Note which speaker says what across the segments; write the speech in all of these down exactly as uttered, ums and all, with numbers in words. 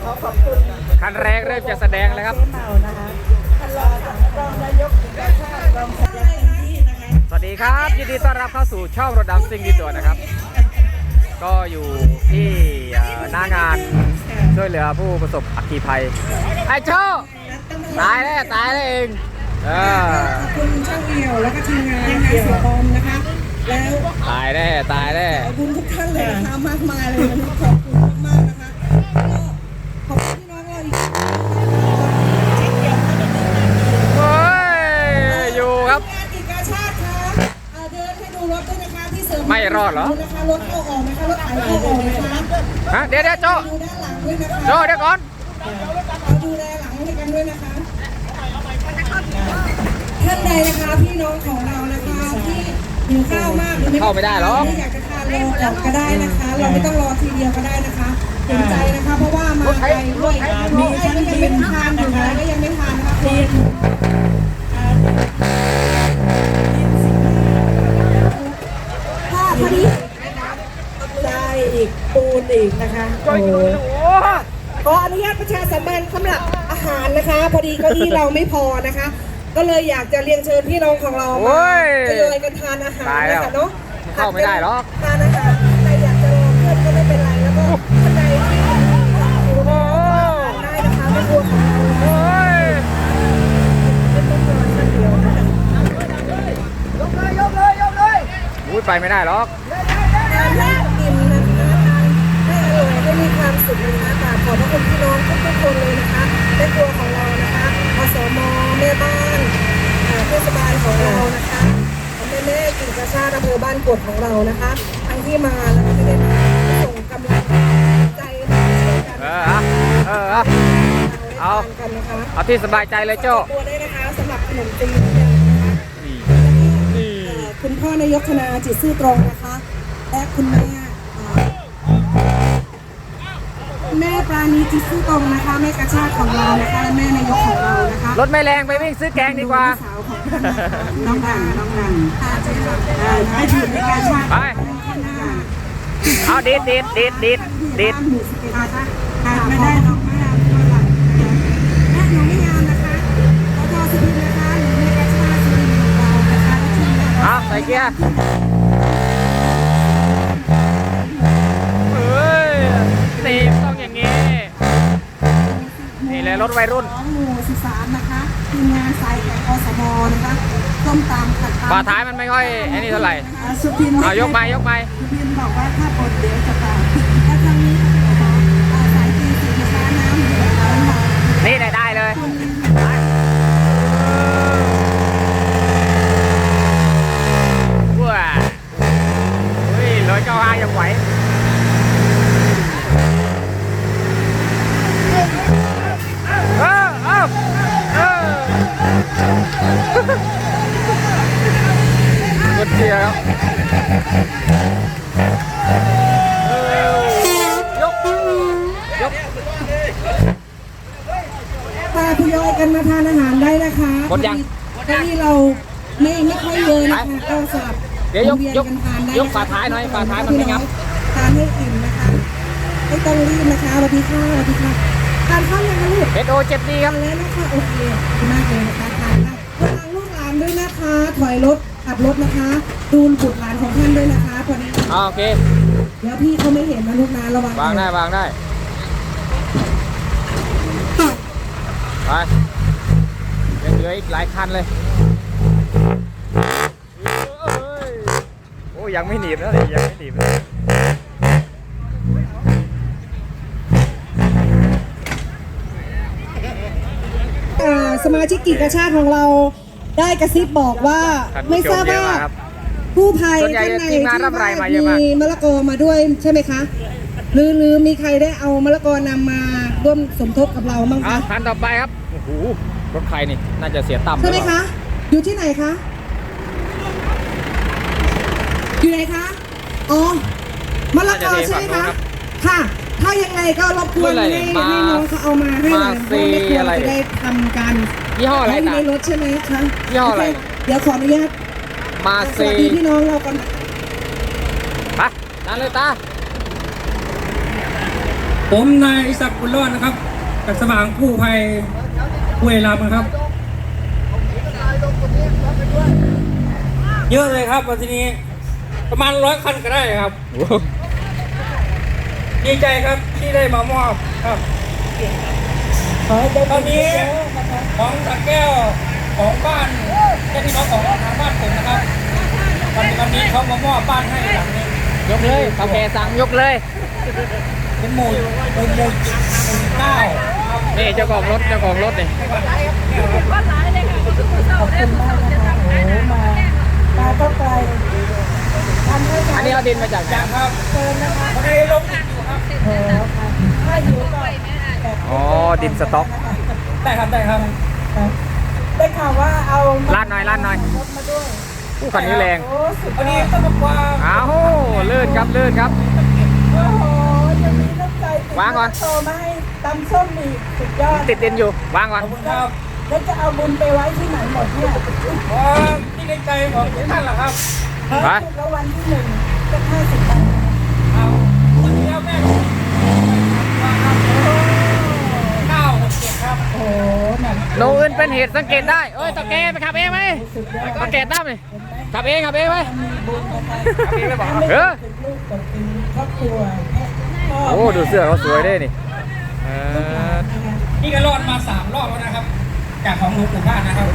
Speaker 1: ขอขอบคุณ
Speaker 2: คันแรกเริ่มจะแสดงแล้วครับ
Speaker 1: เจ๊เมานะคะท่านรองรองนายกแห่งชาติรองสัญญาที่นะคะ
Speaker 2: สวัสดีครับยินดีต้อนรับเข้าสู่ช่องรถดำซิ่งดีตัวนะครับ ก็อยู่ที่หน้างานช่วยเหลือผู้ประสบอัคคีภัยไอ้โชตายแล้วตายแล้วเองเออ
Speaker 1: ขอบคุณช่างเอี่ยวแล้วก็ทีมงานนะคะเสียบอมนะคะแล้ว
Speaker 2: ตายแน่ตายแน่
Speaker 1: ขอบคุณทุกท่านเลยนะคะมากมายเลยนะคะขอบคุณมากๆนะคะก็ขอบคุณพี่น้องเราอีก
Speaker 2: โอ้ยอยู่ครับ
Speaker 1: งานกิจการชาติค่ะเอ่อเดินให้ดูรถด้วยนะคะที่เสริม
Speaker 2: ไม่รอดเหรอ
Speaker 1: นะคะรถเข้าออกนะคะรถไถเข้าออกนะคะ
Speaker 2: ฮะเดี๋ยวเดี๋ยวโจ
Speaker 1: ดูด้านหลังด้วยนะคะ
Speaker 2: โจเดี๋ยวก่อน
Speaker 1: เราดูแลหลังให้กันด้วยนะคะท่านใดนะคะพี่น้องของเรานะคะที่หิวข้าวมากหรือ
Speaker 2: เข้าไม่ได้หรอก
Speaker 1: ไม่อยากจะทานรอก่อนก็ได้นะคะ เราไม่ต้องรอทีเดียวก็ได้นะคะเห็นใจนะคะ เพราะว่ามาไกลด้วยมีท่านที่ยังไม่ทานอยู่นะก็ยังไม่ทานนะคะทีผ้าพอดีใจอีกปูนอีกนะคะโอ้ขออนุญาตประชาสัมพันธ์สำหรับอาหารนะคะ พอดีเก้าอี้เราไม่พอนะคะ ก็เลยอยากจะเรียนเชิญพี่น้องของเรามาทยอยกันทานอาหารนะคะเนาะ
Speaker 2: เข้าไม่ได้หรอก
Speaker 1: ทานอาหารใครอยากจะรอเพื่อนก็ไม่เป็นไรแล้วก็ท่านใดที่อยากอยู่รอได้นะคะไม่กลัวของเรา
Speaker 2: โอ้ย
Speaker 1: ไม่ต้องรอท่านเดียวนะคะ
Speaker 2: อุ้ยไปไม่ได้หรอก
Speaker 1: ทานให้อิ่มนะคะทานให้อร่อยให้มีความสุขนะคะกราบขอบพระคุณพี่น้องทุกๆคนเลยนะคะแม่ครัวของเรานะคะอสมแม่บ้านเทศบาลของเรานะคะแม่แม่กิจการชาติอำเภอบ้านกวดของเรานะคะทั้งที่มาแล้วก็ไม่ได้มาส่งกำลังใจมาช่วยกัน
Speaker 2: เออเอาเออเอาเอา
Speaker 1: กันนะคะ
Speaker 2: เอาที่สบายใจเลยโจ
Speaker 1: ตัวได้นะคะสำหรับขนมจีนนะคะ
Speaker 2: นี่นี่
Speaker 1: เอ่อคุณพ่อนายกธนาจิตซื่อตรงนะคะและคุณแม่เอ่อคุณแม่ปราณีจิตซื่อตรงนะคะแม่กระชากของเรานะคะและแม่นายกของเรานะคะ
Speaker 2: รถไม่แรงไปวิ่งซื้อแกงดีกว่า
Speaker 1: สาวของท่านนะคะน้องดังน้องดังค่ะเจ๊รับได้ให้ถือในการชาติ
Speaker 2: ไป เอาดีดดีดดีดดีดดีด
Speaker 1: หมู่สิบเอ็ดนะคะขาดไม่ได้น้องไม่งามตัวหลังและหนูไม่งามนะคะขอโทษสุดนะคะหนูแม่กระชากสุดของเรานะคะและทีมงาน
Speaker 2: เอาใส่เกียร์เฮ้ยนี่ต้องอย่างงี้ นี่เลยรถวัยรุ่น
Speaker 1: ของหมู่สิบสามนะคะทีมงานสายแข่งอสมนะคะส้มตำขัดตำ
Speaker 2: ฝาท้ายมันไม่ค่อยไอ้นี่เท่าไหร่
Speaker 1: สุพิน
Speaker 2: เอายกไม้ยกไม้
Speaker 1: สุพินบอกว่าถ้าปนเดี๋ยวจะตายและทางนี้นะคะอ่าสายตีสีนะคะน้ำเหลืองน้ำหอม
Speaker 2: นี่ได้ได้เลยว้าเฮ้ยร้อยเก้าห้ายังไหวเออเออเออรถเชียร์ครับเออยกยก
Speaker 1: มาทยอยกันมาทานอาหารได้นะคะ
Speaker 2: หมดยัง
Speaker 1: เก้าอี้เราไม่ไม่ค่อยเยอะนะคะก็สลับ
Speaker 2: เดี๋ยวยก
Speaker 1: หมุน
Speaker 2: ย
Speaker 1: วี
Speaker 2: ก
Speaker 1: นกันทานได้
Speaker 2: ยกฝาท้ายหน่อยฝาท้ายมันไม่งับ
Speaker 1: ทานให้อิ่มนะคะไม่ต้องรีบนะคะสวัสดีค่ะสวัสดีค่ะทานข้าวยังคะลูก
Speaker 2: เอสโอเจ็ดดีค
Speaker 1: ทา
Speaker 2: รับ
Speaker 1: นแล้วนะคะโอเคขอบคุณมากเลยนะคะทานค่ะระวังลูกหลานด้วยนะคะ ถอยรถขับรถนะคะ ดูบุตรหลานของท่านด้วยนะคะพอดี
Speaker 2: อ่าโอเค
Speaker 1: เดี๋ยวพี่เขาไม่เห็นนะลูกนะระวัง
Speaker 2: วางได้วางได้ ไปยังเหลืออีกหลายคันเลยโอ้ยังไม่หนีบนะเลยยังไม่หนีบเลย
Speaker 1: อ่าสมาชิกกิจกชาติของเราได้กระซิบบอกว่าไม่ทราบว่าผู้ภัยท่านไหนที่มีมะละกอมาด้วยใช่ไหมคะหรือหรือมีใครได้เอามะละกอนำมาร่วมสมทบกับเราบ้าง
Speaker 2: อ่ะ
Speaker 1: คะ
Speaker 2: คันต่อไปครับโอ้โหรถใครนี่น่าจะเสียต่ำ
Speaker 1: ใช่ไหมคะอยู่ที่ไหนคะอยู่ไหนคะอ๋อมะละกอใช่ไหมคะค่ะถ้ายังไงก็รบกวนให้ให้น้องเขาเอามาให้หน่อยเพราะไม่ควรจะได้ทำกัน
Speaker 2: ยี่ห้ออะไร
Speaker 1: อยู่
Speaker 2: นะ
Speaker 1: ในรถใช่ไหมคะ
Speaker 2: ยี่ห้ออะไร
Speaker 1: เดี๋ยวขออนุญาต
Speaker 2: มา
Speaker 1: ส
Speaker 2: ซี
Speaker 1: วัสดีพี่น้องเราก่อน
Speaker 2: ไปนั่นเลยตา
Speaker 3: ผมนายศักดิ์บุญรอดนะครับจากสว่างกู้ภัยห้วยลำนะครับเยอะเลยครับวันนี้ประมาณร้อยคันก็ได้ครับดีใจครับที่ได้มามอบครับ
Speaker 1: ขอให้ได้
Speaker 3: ตอนนี้
Speaker 1: เยอะๆนะคะ
Speaker 3: ของสระแก้วของบ้านแค่พี่น้องของทางบ้านผมนะครับวันวันนี้เขามามอบบ้านให้หลังนี้
Speaker 2: ยกเลยเท่าแกสั่งยกเลย
Speaker 3: เป็นหมู่หมู่หมู่หมู่เก้าครับ
Speaker 2: นี่เจ้าของรถเจ้าของรถนี่
Speaker 1: ขอบคุณมากนะคะโอ้มามาก็ไกลทำให้
Speaker 2: อันนี้เอาดินมาจากไหน
Speaker 3: จากครับ
Speaker 1: เกินนะคะ
Speaker 3: วันนี้ลงอีกอยู่ครับ
Speaker 1: โอ้ค่ะถ้าอยู่ก็แบบ
Speaker 2: อ๋อดินสต๊อก
Speaker 3: ได้ครับได้ครับ
Speaker 1: ได้ข่าวว่าเอา
Speaker 2: ลาดหน่อยลาดหน่อย
Speaker 1: รถมาด้วย
Speaker 2: อู้คันนี้แรง
Speaker 1: โอ้สุดย
Speaker 3: วัน
Speaker 1: อ
Speaker 3: นี้
Speaker 1: ด
Speaker 3: ต้องบอกว่า
Speaker 2: อ้าวลื่นครับลื่นครับ
Speaker 1: โอ้โหจะมีน้ำใจติด
Speaker 2: วางก่อน
Speaker 1: โตมาให้ตำส้มอีกสุดยอด
Speaker 2: ติดดินอยู่วางก่อน
Speaker 3: ขอบคุณครับ
Speaker 1: แล้วจะเอาบุญไปไว้ที่ไหนหมดเนี่ย
Speaker 3: เพราะที่ในใจของทุกท่านแหละครับ
Speaker 2: ไป
Speaker 1: ถูกรางวัลที่หนึ่งก็ห้าสิบบาท
Speaker 3: เอาวันนี้แม่ผมมาครับเก้าหกเจ็ดครับ
Speaker 1: โอ้โหหนัก
Speaker 2: โนอื่นเป็นเหตุสังเกตได้เอ้ยตะแกไปขับเองไหม
Speaker 1: สุดยอด
Speaker 2: สังเกตได้ไหมขับเองขับเองไหม
Speaker 1: มีบุญนะคะ
Speaker 2: ขับเองไม่บอก
Speaker 1: ไม่
Speaker 2: เอ
Speaker 1: ได้
Speaker 2: อ
Speaker 1: เป็นลูกแต่เป็นครอบครัวพ่
Speaker 2: โอ้ดูเสื้อเขาสวยด้วยนี่เออ
Speaker 3: นี่ก็รอดมาสามรอบแล้วนะครับ จากของหลวงปู่บ้านนะครับ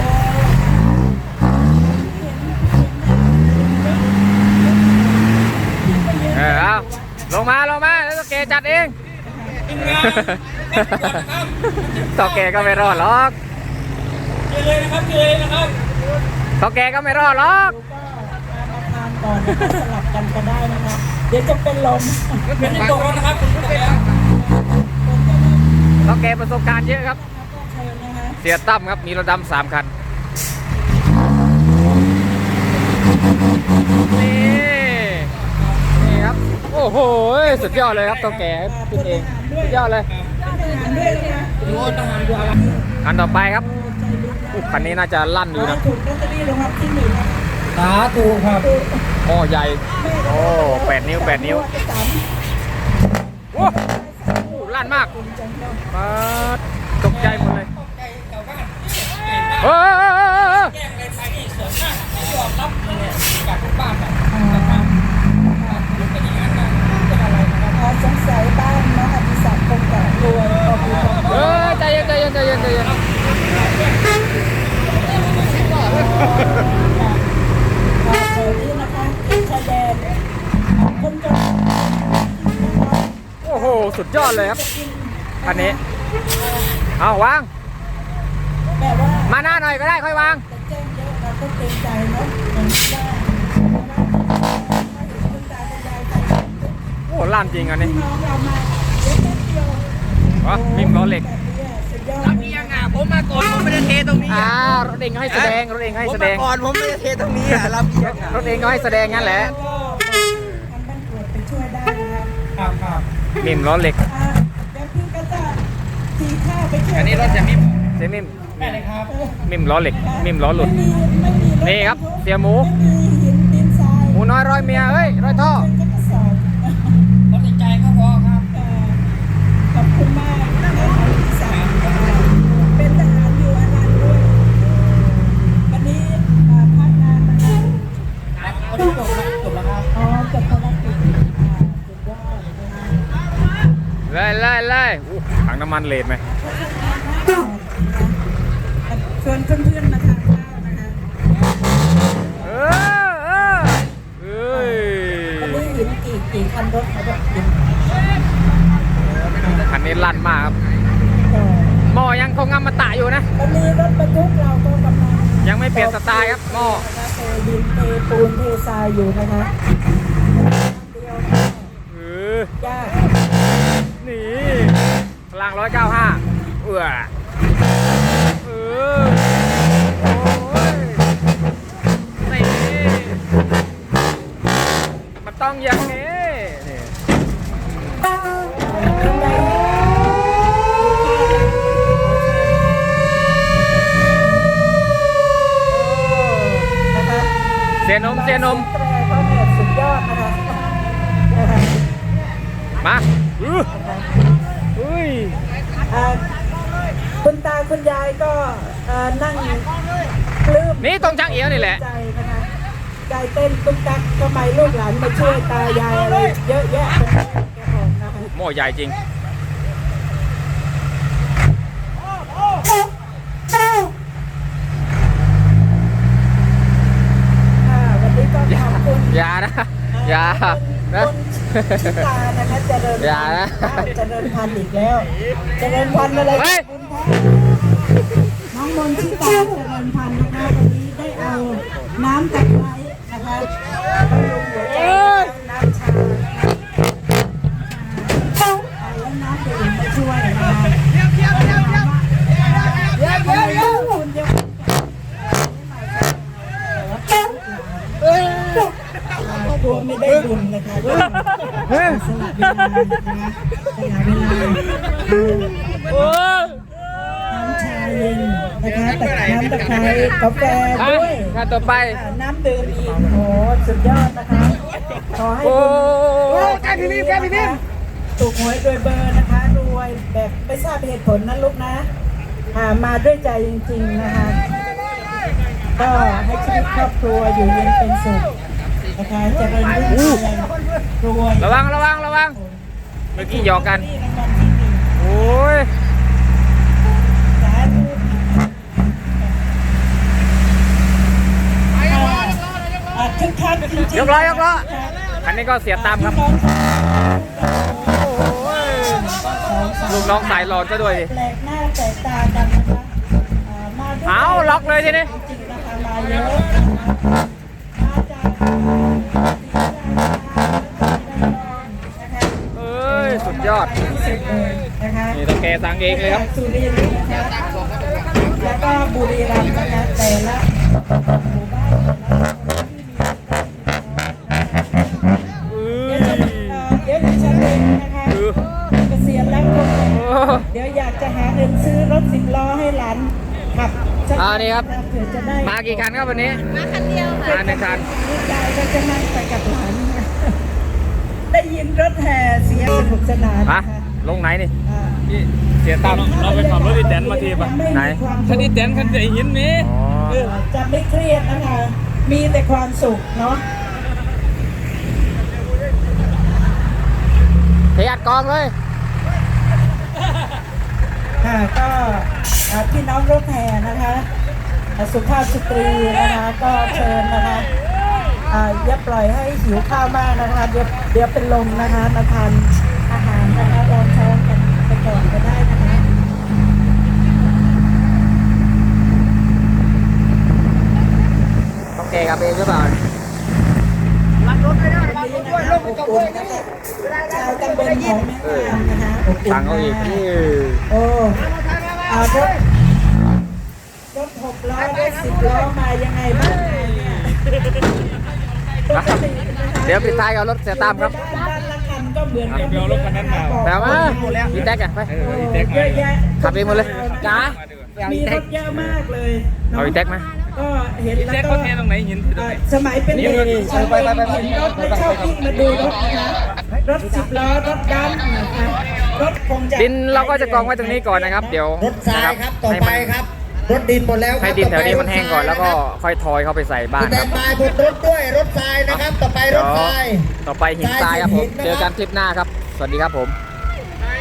Speaker 2: เออเอาลงมาลงมาแล้วตะแกจัดเอง
Speaker 3: ทีมงานแม่ตรวจนะครับ
Speaker 2: ตะแกก็ไม่รอดหรอก
Speaker 3: เจอเลยนะครับเจอเลยนะครับ
Speaker 2: ตะแกก็ไม่รอดหรอก
Speaker 1: มาทานก่อนนะคะสลับกันก็ได้นะคะเดี๋ยวจะเป็นลม
Speaker 3: เป็นที่ตกแล้วนะครับคุณผู้ชม
Speaker 2: ตะแกประสบการณ์เยอะครับ
Speaker 1: เชิญนะคะ
Speaker 2: เสียตั้มครับมีรถดำสามคันนี่นี่ครับโอ้โหสุดยอดเลยครับตะแกขึ้นเองสุดยอดเลย
Speaker 1: เป็นทหารด้วยนะคะ
Speaker 3: ดูทหารดูอะไร
Speaker 2: คันต่อไปครับอุ๊ยคันนี้น่าจะลั่น
Speaker 1: ข
Speaker 2: อยู่
Speaker 1: อให้
Speaker 2: นะ
Speaker 1: ถูกลอตเตอรี่รางวัลที่หนึ่งนะคะ
Speaker 3: สาธุครับ
Speaker 2: หม้อใหญ่โอ้แปดนิ้วแปดนิ้ว
Speaker 1: จะสาม
Speaker 2: โอ้โหลั่นมาก
Speaker 1: คุณจังเลย
Speaker 2: ปาดตกใจหมดเลย
Speaker 3: ใจชาวบ้าน
Speaker 2: เออเออเออเออ
Speaker 3: แจ้งอะไรไปนี่เสริมหน้าไม่ยอมรับเลยจากทุกบ้านนะครับเป็นอย่างนั้นนะเป็นอะไรนะครับ
Speaker 1: อ๋อสงสัยบ้านน้องอดิศักดิ์คงจะรวยพอมีความ
Speaker 2: เออใจเย็นใจเย็นใจเย็นใจเย็น
Speaker 1: ข่าวเสนี้นะคะชายแดนคนจน
Speaker 2: โอ้โหสุดยอดเลยครับคันนี้เอาวาง
Speaker 1: แบบว่า
Speaker 2: มาหน้าหน่อยก็ได้ค่อยวาง
Speaker 1: จะแจ้งเยอะเราก็เกรงใจเนาะอย่างที่ว่าคุณตาคุณยายใคร
Speaker 2: โอ้ลั่นจริงอันนี้
Speaker 1: น้องเรามาเล็กนิดเดียว
Speaker 2: วะมิมล้อเหล็ก
Speaker 1: แบบนี้สุดยอด
Speaker 4: รับเอียงอ่ะผมมาก่อนผมไม่ได้เทตรงนี้
Speaker 2: อ่า
Speaker 4: อ่ะ
Speaker 2: รถเองก็ให้แสดงรถเองก็ให้
Speaker 4: ผม
Speaker 2: แสด
Speaker 4: มาง ก่อนผมไม่ได้เทตรงนี้อ่ะรับเอียงอ่ะ
Speaker 2: รถเองก็ให้แสดงงั้นแหละ
Speaker 1: ก็ทำบ้านตรวจไปช่วยได้นะครับ
Speaker 3: ครับ
Speaker 2: มิมล้อเหล็ก
Speaker 1: อ่าเดี๋ยวพี่ก็จะตีข้าวไปช่วย
Speaker 4: อันนี้รถจะมิม
Speaker 2: เสียมิม
Speaker 3: ได้เลยครับ
Speaker 2: มิมล้อเหล็ก มิมล้อหลุด
Speaker 1: ไม่มีไม่มีถ
Speaker 2: นี่ครับเสียหมู
Speaker 1: ไม่มีหินดินทราย
Speaker 2: หมูน้อยร้อยเมียเอ้ยร้อยท่อ
Speaker 1: เป็นกระสอบ
Speaker 3: รถใจก็พอครับ
Speaker 1: เอ่อขอบคุณมากนะคะที่สามเป็นทหารอยู่อนันต์ด้วย วันนี้อ่าพักงานนะคะ
Speaker 3: วันนี้จบแล้วจบแล้วครับ
Speaker 1: อ๋อจบภารกิจอ่าสุดยอดนะคะ
Speaker 2: ไล่ไล่ไล่อู้ถังน้ำมันเลดไหม
Speaker 1: ชวนเพื่อนๆมาทานข้าวนะคะ
Speaker 2: เออเออเอ้ย
Speaker 1: วันนี้หินกี่กี่คันรถเขาบอกหิน
Speaker 2: คันนี้ลั่นมากครับ
Speaker 1: เอ่อ
Speaker 2: หม้อยังคงงำมาตะอยู่นะ
Speaker 1: วันนี้รถบรรทุกเราก็กำลัง
Speaker 2: ยังไม่เปลี่ยนสไตล์ครับหม้อ
Speaker 1: นะคะเทดินเทปูนเททรายอยู่นะคะเดียวก็
Speaker 2: เออย
Speaker 1: าก
Speaker 2: นี่พลังร้อยเก้าห้าเอื้อเออโอ้ยนี่มันต้องอย่างนี้นี่
Speaker 1: ข้างในนะคะ
Speaker 2: เสียนมเสียนม
Speaker 1: แตรเขาเนี่ยสุดยอดนะคะนะคะ
Speaker 2: มาอื้อ
Speaker 1: นะคะอ่าคุณตาคุณยายก็เอ่อนั่งปลื้ม
Speaker 2: นี่ตรงช่างเอี้ยวนี่แหละ
Speaker 1: ใจนะคะใจเต้นตุ๊กตักทำไมลูกหลานมาช่วยตายายอะไรเยอะแยะไปหมดแกบอกนะคะ
Speaker 2: หม้อใหญ่จริง
Speaker 1: ค่ะวันนี้ก็ขอบคุณ
Speaker 2: อย่านะ อย่านะ
Speaker 1: คุณชิตานะคะเจริญ
Speaker 2: อย่า
Speaker 1: พัน
Speaker 2: นะ
Speaker 1: ธุ์เจริญพันธุ์อีกแล้วเจริญพันธุ์อะไร
Speaker 2: เฮ้ย
Speaker 1: คุณคะน้องมนต์ชิตาเจริญพันธุ์นะคะวันนี้ได้เอาน้ำตะไคร้นะคะบำรุงหัวใจน้ำชาเอาแล้วน้ำดื่มมาช่วยนะคะเดี๋ยวเดี๋ยวเดี๋ยวเดี๋ยวเดี๋ยวเดี๋ยวเดี๋ยวคุณเดี๋ยวตัวไม่ได้บุญนะคะก็สละเวลานะคะสละเวลาน้ำชาเย็นนะคะแต่น้ำตะไคร้กาแฟด้วย
Speaker 2: งานต่อไป
Speaker 1: น้ำดื่มอีกโอ้สุดยอดนะคะขอให้
Speaker 2: โอ้
Speaker 1: คุณแกพี่นิ่มแกพี่นิ่มถูกหวยโดยเบอร์นะคะรวยแบบไม่ทราบเหตุผลนะลูกนะหามาด้วยใจจริงๆนะคะก็ให้ชีวิตครอบครัวอยู่เย็นเป็นสุขนะคะเจริญรุ่งเรืองรวย
Speaker 2: ระวังระวังระวัง เมื่อกี้หยอกกัน
Speaker 1: รางวัลที่หนึ่ง
Speaker 2: โอ้ย
Speaker 1: สาธุอ่ะคึกคักจริงๆ
Speaker 2: ยกล้อยกล้อคันนี้ก็เสียตามครับ ลูกน้องสายหลอดก็ด้วยดิ
Speaker 1: แปลกหน้าแปลกตากันนะคะอ่ามาด้วย
Speaker 2: เอาล็อกเลยทีนี้
Speaker 1: จริงๆนะคะมาเยอะนะคะมาจากนะคะ
Speaker 2: เอ้ย สุดยอด
Speaker 1: ที่สุดเลยนะคะ
Speaker 2: นี่ตะแกสั่งเองเลยครับ
Speaker 1: สุรินทร์นะคะแล้วก็บุรีรัมย์นะคะแต่ละหมู่บ้านเดี๋ยวจะเอ่อเดี๋ยวดิฉันเองนะคะ
Speaker 2: คือ
Speaker 1: เกษียณแล้วก็
Speaker 2: โอ้
Speaker 1: เดี๋ยวอยากจะหาเงินซื้อรถสิบล้อให้หลานขับสัก
Speaker 2: อ่านี่ครับ
Speaker 1: เผื่อจะได้
Speaker 2: มากี่คันครับวันนี้ มาคันเดียวค่ะมาหนึ่งคัน
Speaker 1: ลูกชายก็จะนั่งไปกับหลาน ได้ยินรถแห่เสียงสนุกสนาน
Speaker 2: ฮะ
Speaker 1: นะคะ
Speaker 2: ลงไหนนี่
Speaker 1: อ่า
Speaker 2: เสียตาม
Speaker 3: เราไปขับรถอีแตนมาทีป่ะ
Speaker 1: ม่มี
Speaker 2: ไหน
Speaker 1: ความ
Speaker 3: คันนี้แตนคันไอ้หินนี้
Speaker 2: อ๋อ
Speaker 1: เออจะไม่เครียดนะคะ มีแต่ความสุขเนาะ
Speaker 2: เทียดกองเลย
Speaker 1: ค่ะก็อ่าพี่น้องรถแห่นะคะอ่าสุภาพสตรีนะคะก็เชิญนะคะอ่าอย่าปล่อยให้หิวข้าวมากนะคะเดี๋ยวเดี๋ยวเป็นลมนะคะมาทานอาหารนะคะรองท้องกันไปก่อนก็ได้นะคะ
Speaker 2: ต้องแกกับเองหรือเปล่า
Speaker 1: วันนี้นะคะอบอุ่นนะคะชาวตำบลของแม่งามนะคะอบอุ่น
Speaker 2: สั่งเอาอีก
Speaker 1: มาก
Speaker 2: นี่
Speaker 1: โอ้อารถรถหกล้อรถสิบล้อมายังไงบ้างเนี่ยปกตินะคะ
Speaker 2: เดี๋ยวปิดท้ายกับรถเสียตามครับ
Speaker 1: บ้านบ้านละคันก็เหมือนกัน
Speaker 3: เดี๋ยวรถคันนั้นมา
Speaker 2: แต่มาพี่แท็กอะไป
Speaker 1: โอ้เยอะแยะ
Speaker 2: ขับเองหมดเลยจ้า
Speaker 1: มีรถเยอะมากเลยนะ
Speaker 2: เอาอีแท็กมา
Speaker 1: ก็เห็นแล้ว
Speaker 3: แจ็ค
Speaker 1: ก็
Speaker 3: เขาเทตรงไหนหินที่ตรง
Speaker 1: อ่า
Speaker 3: ไหน
Speaker 1: สมัยเป็นเด็ก
Speaker 2: นี่
Speaker 1: ฉัน
Speaker 2: ไปไปไปไป
Speaker 1: เห็นรถแล้วชอบวิ่งมาดูรถนะคะรถสิบล้อรถดำนะคะรถคงจะ
Speaker 2: ดินเราก็จะกองไว้ตรงนี้ก่อนนะครับ เดี๋ยว
Speaker 5: รถทรายครับต่อ
Speaker 2: ให้
Speaker 5: ไป
Speaker 2: มัน
Speaker 5: ครับ รถดินหมดแล้วครับ
Speaker 2: ให้ดินแถวนี้มันแห้งก่อน
Speaker 5: ต่
Speaker 2: แล้ว
Speaker 5: ไป
Speaker 2: ก็
Speaker 5: รถทราย
Speaker 2: ค่อยทอยเข้าไปใส่บ้า
Speaker 5: นะ
Speaker 2: น
Speaker 5: ค
Speaker 2: ค
Speaker 5: รั
Speaker 2: รั
Speaker 5: บบ สแตนบายบนรถด้วยรถทรายนะครับ ต่อไปร
Speaker 2: เดี๋ย
Speaker 5: ถ
Speaker 2: ว
Speaker 5: ทราย
Speaker 2: ต่อไปหินทรายครับผม เจอกันคลิปหน้าครับ สวัสดีครับผม